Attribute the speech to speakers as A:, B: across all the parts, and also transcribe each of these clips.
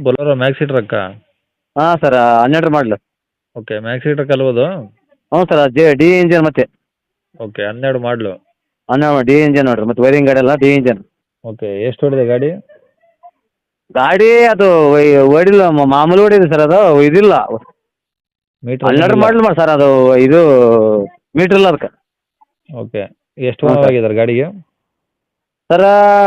A: Bolero maxi ಟ್ರಕ್ಕಾ?
B: ಹಾಂ sir 12 ಮಾಡಲು.
A: Okay, maxi truck ಅಲ್ವದು?
B: ಹ್ಞೂ ಸರ್ ಡಿ ಇಂಜನ್ ಮತ್ತೆ.
A: ಓಕೆ, 12 ಮಾಡಲು.
B: 12 ಡಿ ಇಂಜನ್ ನೋಡಿರಿ, ಮತ್ತು ವೈರಿಂಗ್ ಗಾಡಿ ಎಲ್ಲ ಡಿ ಇಂಜನ್.
A: ಓಕೆ, ಎಷ್ಟು ಹೊಡಿದೆ ಗಾಡಿ?
B: ಗಾಡಿ ಅದು ಓಡಿಲ್ಲ, ಮಾಮೂಲಿ ಓಡಿದೆ ಸರ್, ಅದು ಇದಿಲ್ಲ.
A: ಮೀಟ್ರ್
B: 12 ಮಾಡಲು ಮಾಡಿ ಸರ್, ಅದು ಇದು ಮೀಟ್ರ್ ಇಲ್ಲ ಅದಕ್ಕೆ.
A: ಓಕೆ, ಎಷ್ಟು
B: ಹ್ಞೂ
A: ಓನರ್
B: ಸರ್.
A: ಆಗಿದ್ದಾರೆ ಗಾಡಿಗೆ?
B: ಸರ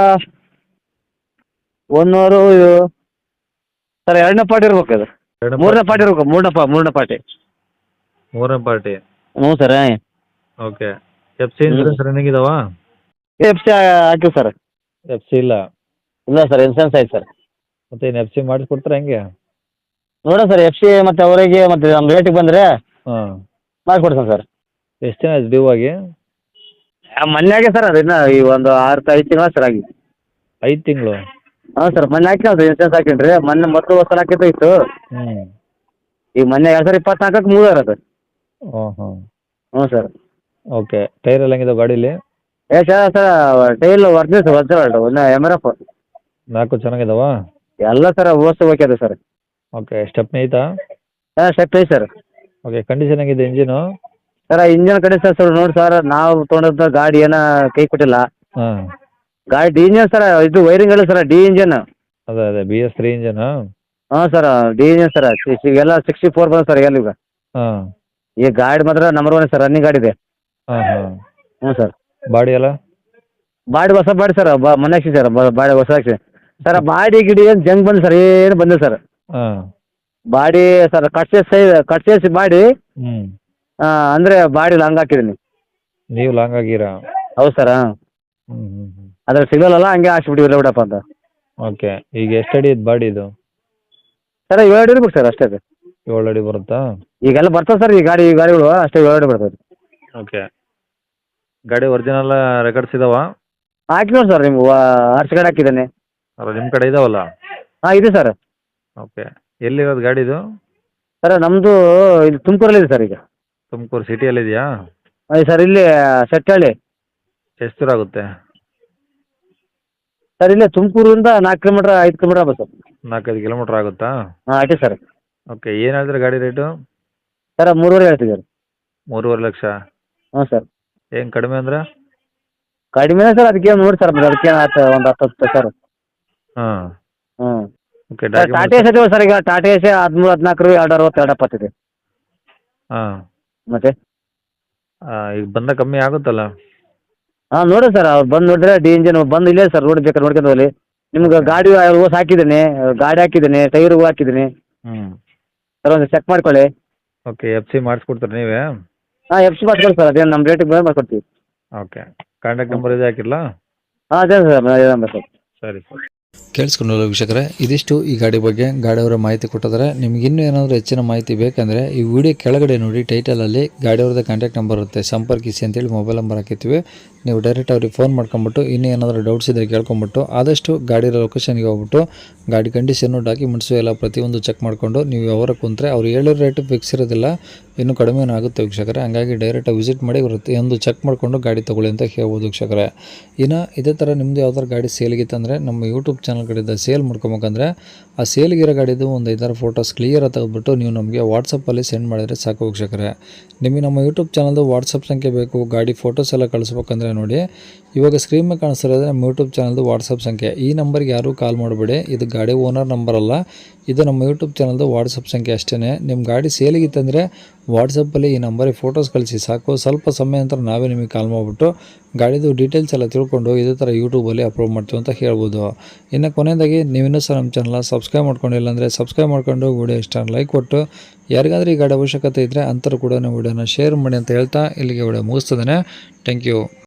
B: ಒನ್ನೂರು ಸರ್ 2ನೇ ಪಾರ್ಟಿ ಇರ್ಬೇಕು ಅದು. 3ನೇ ಪಾರ್ಟಿ ಇರ್ಬೇಕು, ಮೂರನೇ ಪಾರ್ಟಿ.
A: ಮೂರನೇ ಪಾರ್ಟಿ.
B: ಹ್ಞೂ sir.
A: Okay, F C insurance running ಇದಾವಾ?
B: ಎಫ್ ಸಿ ಹಾಕಿವಿ ಸರ್.
A: ಎಫ್ ಸಿ ಇಲ್ಲ?
B: ಇಲ್ಲ ಸರ್, ಇನ್ಸೂರೆನ್ಸ್ ಆಯ್ತು ಸರ್.
A: ಮತ್ತೆ ಏನು ಎಫ್ ಸಿ ಮಾಡಿಸ್ಕೊಡ್ತಾರೆ ಹೆಂಗೆ?
B: ನೋಡೋಣ ಸರ್, ಎಫ್ ಸಿ ಮತ್ತು ಅವರಿಗೆ ಮತ್ತು ನಮ್ಮ ರೇಟಿಗೆ ಬಂದರೆ
A: ಹಾಂ.
B: ಮಾಡಿಕೊಡ್ತೀನಿ ಸರ್.
A: ಎಷ್ಟು ದಿನ ಆಯ್ತು ಡ್ಯೂ ಆಗಿ?
B: ಮೊನ್ನೆಗೆ ಸರ್, ಅದು ಇನ್ನೂ ಈ ಒಂದು 5 ತಿಂಗಳು ಸರ್ ಆಗಿ.
A: 5 ತಿಂಗಳು?
B: ಹಾಂ ಸರ್, ಮೊನ್ನೆ ಹಾಕಿನಲ್ರಿ ಇನ್ಸೂರೆನ್ಸ್ ಹಾಕೀನಿ ರೀ. ಮೊನ್ನೆ ಮೊದಲು ವರ್ಷ ಹಾಕಿದ್ದು ಇತ್ತು.
A: ಹ್ಞೂ.
B: ಈಗ ಮೊನ್ನೆ 2024ಕ್ಕೆ ಮುಗಿದಾರ ಅದು.
A: ಹಾಂ ಹಾಂ.
B: ಹ್ಞೂ ಸರ್.
A: ಓಕೆ, ಟೈರ್ ಎಲ್ಲ ಹೆಂಗಿದಾವೆ ಗಾಡೀಲಿ?
B: ಸರ್ ಟೈಲ್ ಒರಿಜಿನಲ್ ಒಂದು MRF.
A: 4 ಚೆನ್ನಾಗಿದಾವಾ?
B: ಎಲ್ಲ ಸರ್ ಓಕೆ ಇದೆ ಸರ್.
A: ಓಕೆ, ಸ್ಟೆಪ್ನಿ ಐತಾ?
B: ಹಾಂ ಸ್ಟೆಪ್ ಐತೆ ಸರ್.
A: ಓಕೆ, ಕಂಡೀಷನ್ ಹೆಂಗಿದೆ ಇಂಜಿನು?
B: ಸರ್ ಇಂಜನ್ ಕಡೆ ಸರ್ ನೋಡಿ ಸರ್, ನಾವು ತೊಗೊಂಡಂಥ ಗಾಡಿ ಏನೋ ಕೈ ಕೊಟ್ಟಿಲ್ಲ.
A: ಹಾಂ.
B: ಗಾಡಿ ಡಿ ಇಂಜನ್ ಸರ್, ಇದು ವೈರಿಂಗ್ ಅಲ್ಲ ಸರ್, ಡಿ ಇಂಜನ್.
A: ಅದೇ BS3 ಇಂಜನಾ?
B: ಹಾಂ ಸರ್, ಡಿ ಇಂಜನ್ ಸರ್. ಎಲ್ಲ 64 ಬಂದ ಸರ್ ಎಲ್ಲ ಈಗ.
A: ಹಾಂ.
B: ಈ ಗಾಡಿ ಮಾತ್ರ ನಂಬರ್ 1 ಸರ್, ರನ್ನಿಂಗ್ ಗಾಡಿ ಇದೆ.
A: ಹಾಂ ಹಾಂ.
B: ಹ್ಞೂ ಸರ್.
A: ಬಾಡಿ ಎಲ್ಲ?
B: ಬಾಡಿ ಹೊಸ ಬಾಡಿ ಸರ್, ಮೊನ್ನೆ ಹಾಕ್ಸಿ ಸರ್, ಬಾಡಿ ಹೊಸ ಹಾಕ್ಸಿ ಸರ್. ಬಾಡಿ ಗಿಡಿ ಏನು ಜಂಗ್ ಬಂದು ಸರ್, ಏನು ಬಂದಿಲ್ಲ ಸರ್.
A: ಹಾಂ.
B: ಬಾಡಿ ಸರ್ ಕಟ್ಸೇಸಿ ಬಾಡಿ,
A: ಹ್ಞೂ.
B: ಅಂದರೆ ಬಾಡಿ ಲಾಂಗ್ ಹಾಕಿದ್ದೀನಿ.
A: ನೀವು ಲಾಂಗ್ ಆಗಿರಾ?
B: ಹೌದು ಸರ್.
A: ಹ್ಞೂ ಹ್ಞೂ ಹ್ಞೂ.
B: ಅದ್ರಲ್ಲಿ ಸಿಗಲ್ಲ, ಹಂಗೆ ಹಾಕ್ಸ್ಬಿಟ್ಟಿವಿ ಬಿಡಪ್ಪ ಅಂತ.
A: ಓಕೆ, ಈಗ ಎಷ್ಟು ಅಡಿ ಇದು ಬಾಡಿ ಇದು?
B: ಸರ್ 7 ಅಡಿ ಇರ್ಬೇಕು ಸರ್ ಅಷ್ಟೇ.
A: 7 ಅಡಿ ಬರುತ್ತಾ?
B: ಈಗೆಲ್ಲ ಬರ್ತವೆ ಸರ್ ಈ ಗಾಡಿಗಳು ಅಷ್ಟೇ 7 ಅಡಿ ಬರ್ತದೆ.
A: ಓಕೆ, ಗಾಡಿ ಒರಿಜಿನಲ್ ರೆಕಾರ್ಡ್ಸ್ ಇದಾವಾ?
B: ಹಾಕಿ ನೋಡಿ ಸರ್, ನಿಮ್ಗೆ ಆರ್ಚ್ ಗಾಡಿ ಹಾಕಿದ್ದಾನೆ.
A: ಅಲ್ಲ, ನಿಮ್ಮ ಕಡೆ ಇದಾವಲ್ಲ?
B: ಹಾಂ ಇದೆ ಸರ್.
A: ಓಕೆ, ಎಲ್ಲಿರೋದು ಗಾಡಿದು?
B: ಸರ್ ನಮ್ಮದು ಇಲ್ಲಿ ತುಮಕೂರಲ್ಲಿದೆ ಸರ್ ಈಗ.
A: ತುಮಕೂರು ಸಿಟಿಯಲ್ಲಿದೆಯಾ?
B: ಸರ್ ಇಲ್ಲಿ ಸೆಟ್ಟಹಳ್ಳಿ.
A: ಎಷ್ಟು ದೂರ ಆಗುತ್ತೆ?
B: ಸರ್ ಇಲ್ಲೇ ತುಮಕೂರಿಂದ 4 ಕಿಲೋಮೀಟ್ರ್ 5 ಕಿಲೋಮೀಟ್ರ್ ಆಗ್ಬೋದು ಸರ್.
A: 4-5 ಕಿಲೋಮೀಟ್ರ್ ಆಗುತ್ತಾ?
B: ಹಾಂ ಅಷ್ಟೇ ಸರ್.
A: ಓಕೆ, ಏನು ಹೇಳಿದ್ರೆ ಗಾಡಿ ರೇಟು?
B: ಸರ್ 3.5 ಹೇಳ್ತಿದ್ದಾರೆ.
A: 3.5 ಲಕ್ಷ?
B: ಹ್ಞೂ ಸರ್.
A: ಏನು ಕಡಿಮೆ ಅಂದ್ರೆ?
B: ಕಡಿಮೆನೇ ಸರ್, ಅದಕ್ಕೆ ನೋಡಿ ಸರ್, ಅದಕ್ಕೆ ಆಯ್ತು ಒಂದು 10 ಸರ್.
A: ಹಾಂ.
B: ಹ್ಞೂ.
A: ಓಕೆ,
B: ಸರ್ ಟಾಟಾ ಎಸ್ ಇದಾವೆ ಸರ್, ಈಗ ಟಾಟಾ ಎಸ್ 13-14 260 270
A: ಹಾಂ.
B: ಮತ್ತೆ
A: ಈಗ ಬಂದ ಕಮ್ಮಿ ಆಗುತ್ತಲ್ಲ?
B: ಹಾಂ ನೋಡಿ ಸರ್, ಅವ್ರು ಬಂದು ನೋಡಿದ್ರೆ ಡಿ ಇಂಜನ್ ಬಂದು ಇಲ್ಲೇ ಸರ್, ರೋಡ್ ಬೇಕಾದ್ರೆ ನೋಡ್ಕೊಂಡು ಹೋಗಲಿ. ನಿಮ್ಗೆ ಗಾಡಿ ಓಸ್ ಹಾಕಿದ್ದೀನಿ, ಗಾಡಿ ಹಾಕಿದ್ದೀನಿ, ಟೈರು ಹಾಕಿದ್ದೀನಿ
A: ಹ್ಞೂ.
B: ಸರ್, ಒಂದು ಚೆಕ್ ಮಾಡ್ಕೊಳ್ಳಿ.
A: ಓಕೆ, ಎಫ್ ಸಿ ಮಾಡಿಸ್ಕೊಡ್ತಾರೆ ನೀವೇ?
B: ಹಾಂ ಎಫ್ ಸಿ ಮಾಡ್ಕೊಳ್ಳಿ ಸರ್, ಅದೇನು ನಮ್ಮ ರೇಟಿಗೆ ಬಂದು ಮಾಡ್ಕೊಡ್ತೀವಿ.
A: ಓಕೆ, ಕಾಂಟ್ಯಾಕ್ಟ್ ನಂಬರ್ ಇದೆ ಹಾಕಿರಲಾ?
B: ಹಾಂ ಅದೇ ಸರ್, ಅದೇ ನಂಬರ್ ಸರ್.
A: ಸರಿ ಸರ್.
C: ಕೇಳಿಸ್ಕೊಂಡಲ್ಲ ವೀಕ್ಷಕರೇ, ಇದಿಷ್ಟು ಈ ಗಾಡಿ ಬಗ್ಗೆ ಗಾಡಿಯವರ ಮಾಹಿತಿ ಕೊಟ್ಟಿದ್ದಾರೆ. ನಿಮ್ಗೆ ಇನ್ನೂ ಏನಾದರೂ ಹೆಚ್ಚಿನ ಮಾಹಿತಿ ಬೇಕಂದರೆ ಈ ವಿಡಿಯೋ ಕೆಳಗಡೆ ನೋಡಿ, ಟೈಟಲಲ್ಲಿ ಗಾಡಿಯವ್ರದ್ದು ಕಾಂಟ್ಯಾಕ್ಟ್ ನಂಬರ್ ಇರುತ್ತೆ, ಸಂಪರ್ಕಿಸಿ ಅಂತೇಳಿ ಮೊಬೈಲ್ ನಂಬರ್ ಹಾಕಿರ್ತೀವಿ. ನೀವು ಡೈರೆಕ್ಟ್ ಅವ್ರಿಗೆ ಫೋನ್ ಮಾಡ್ಕೊಂಬಿಟ್ಟು ಇನ್ನೂ ಏನಾದರೂ ಡೌಟ್ಸ್ ಇದ್ದರೆ ಕೇಳ್ಕೊಂಬಿಟ್ಟು ಆದಷ್ಟು ಗಾಡಿ ಲೊಕೇಶನ್ಗೆ ಹೋಗ್ಬಿಟ್ಟು ಗಾಡಿ ಕಂಡೀಷನ್ನು ಡಾಕ್ಯುಮೆಂಟ್ಸು ಎಲ್ಲ ಪ್ರತಿಯೊಂದು ಚೆಕ್ ಮಾಡಿಕೊಂಡು ನೀವು ಯಾವಾಗ ಕುಂತರೆ ಅವ್ರು ಹೇಳೋ ರೇಟು ಫಿಕ್ಸ್ ಇರೋದಿಲ್ಲ, ಇನ್ನೂ ಕಡಿಮೆ ಆಗುತ್ತೆ ವೀಕ್ಷಕರೇ. ಹಂಗಾಗಿ ಡೈರೆಕ್ಟಾಗಿ ವಿಸಿಟ್ ಮಾಡಿ ಒಂದು ಚೆಕ್ ಮಾಡಿಕೊಂಡು ಗಾಡಿ ತೊಗೊಳ್ಳಿ ಅಂತ ಹೇಳ್ಬೋದು ವೀಕ್ಷಕರೇ. ಇನ್ನು ಇದೇ ಥರ ನಿಮ್ಮದು ಯಾವ್ದಾರು ಗಾಡಿ ಸೇಲ್ಗಿತ್ತಂದರೆ ನಮ್ಮ ಯೂಟ್ಯೂಬ್ ಚಾನಲ್ ಕಡೆಯಿಂದ ಸೇಲ್ ಮಾಡ್ಕೊಬೇಕಂದ್ರೆ ಆ ಸೇಲ್ಗಿರೋ ಗಾಡಿದು ಒಂದು 5-6 ಫೋಟೋಸ್ ಕ್ಲಿಯರಾಗಿ ತೆಗೆದುಬಿಟ್ಟು ನೀವು ನಮಗೆ ವಾಟ್ಸಪ್ಪಲ್ಲಿ ಸೆಂಡ್ ಮಾಡಿದರೆ ಸಾಕು ವೀಕ್ಷಕರೇ. ನಿಮಗೆ ನಮ್ಮ ಯೂಟ್ಯೂಬ್ ಚಾನಲ್ದು ವಾಟ್ಸಪ್ ಸಂಖ್ಯೆ ಬೇಕು, ಗಾಡಿ ಫೋಟೋಸ್ ಎಲ್ಲ ಕಳಿಸ್ಬೇಕಂದ್ರೆ ನೋಡಿ, ಇವಾಗ ಸ್ಕ್ರೀನ್ ಮೇಲೆ ಕಾಣಿಸ್ತಿರೋದು ನಮ್ಮ ಯೂಟ್ಯೂಬ್ ಚಾನಲ್ದು ವಾಟ್ಸಪ್ ಸಂಖ್ಯೆ. ಈ ನಂಬರ್ಗೆ ಯಾರೂ ಕಾಲ್ ಮಾಡಬೇಡಿ, ಇದು ಗಾಡಿ ಓನರ್ ನಂಬರ್ ಅಲ್ಲ, ಇದು ನಮ್ಮ ಯೂಟ್ಯೂಬ್ ಚಾನಲ್ದು ವಾಟ್ಸಪ್ ಸಂಖ್ಯೆ ಅಷ್ಟೇ. ನಿಮ್ಮ ಗಾಡಿ ಸೇಲಿಗಿತ್ತಂದರೆ ವಾಟ್ಸಪ್ಪಲ್ಲಿ ಈ ನಂಬರಿಗೆ ಫೋಟೋಸ್ ಕಳಿಸಿ ಸಾಕು. ಸ್ವಲ್ಪ ಸಮಯ ನಂತರ ನಾವೇ ನಿಮಗೆ ಕಾಲ್ ಮಾಡಿಬಿಟ್ಟು ಗಾಡಿದು ಡೀಟೇಲ್ಸ್ ಎಲ್ಲ ತಿಳ್ಕೊಂಡು ಇದೇ ಥರ ಯೂಟ್ಯೂಬಲ್ಲಿ ಅಪ್ಲೋಡ್ ಮಾಡ್ತೀವಿ ಅಂತ ಹೇಳ್ಬೋದು. ಇನ್ನು ಕೊನೆಯದಾಗಿ ನೀವಿನ್ನೂ ಸಹ ನಮ್ಮ ಚಾನಲ್ನ ಸಬ್ಸ್ಕ್ರೈಬ್ ಮಾಡ್ಕೊಂಡಿಲ್ಲ ಅಂದರೆ ಸಬ್ಸ್ಕ್ರೈಬ್ ಮಾಡ್ಕೊಂಡು ವಿಡಿಯೋ ಇಷ್ಟ ಲೈಕ್ ಕೊಟ್ಟು, ಯಾರಿಗಾದ್ರೂ ಈ ಗಾಡಿ ಅವಶ್ಯಕತೆ ಇದ್ದರೆ ಅಂಥವ್ರು ಕೂಡ ನಾವು ವಿಡಿಯೋನ ಶೇರ್ ಮಾಡಿ ಅಂತ ಹೇಳ್ತಾ ಇಲ್ಲಿಗೆ ವಿಡಿಯೋ ಮುಗಿಸ್ತದೆ. Thank you.